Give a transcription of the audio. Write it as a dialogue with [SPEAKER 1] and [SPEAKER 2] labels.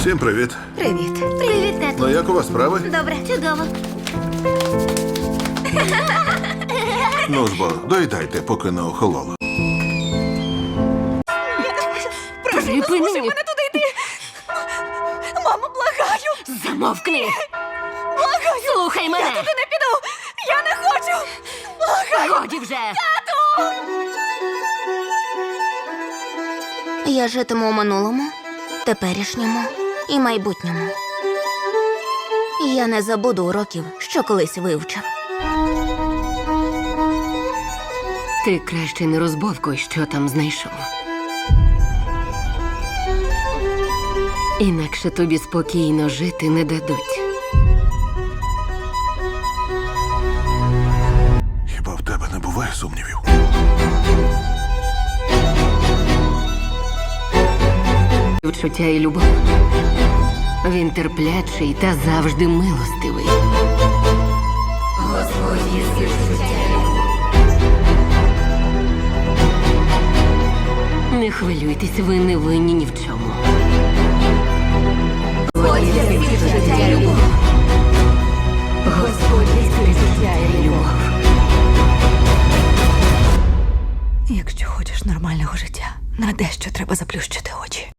[SPEAKER 1] Всім привіт.
[SPEAKER 2] Привіт. Привіт, тату.
[SPEAKER 1] Ну як у вас справи?
[SPEAKER 2] Добре, чудово.
[SPEAKER 1] Ну ж бо, доїдайте, поки не охололо.
[SPEAKER 2] Припини.
[SPEAKER 3] мене туди йти. Мамо, благаю.
[SPEAKER 2] Замовкни.
[SPEAKER 3] Благаю.
[SPEAKER 2] Слухай мене.
[SPEAKER 3] Я туди не піду. Я не хочу. Благаю.
[SPEAKER 2] Годі вже.
[SPEAKER 4] Я житиму у минулому, теперішньому і майбутньому. Я не забуду уроків, що колись вивчив.
[SPEAKER 2] Ти краще не розбовкуй, що там знайшов. Інакше тобі спокійно жити не дадуть.
[SPEAKER 1] Хіба в тебе не буває сумнівів?
[SPEAKER 2] Відчуття і любов. Він терплячий та завжди милостивий. Господь є відчуття і любов. Не хвилюйтесь, ви не винні ні в чому. Господь є відчуття і любов. Господь є відчуття і любов.
[SPEAKER 3] Якщо хочеш нормального життя, на дещо треба заплющити очі.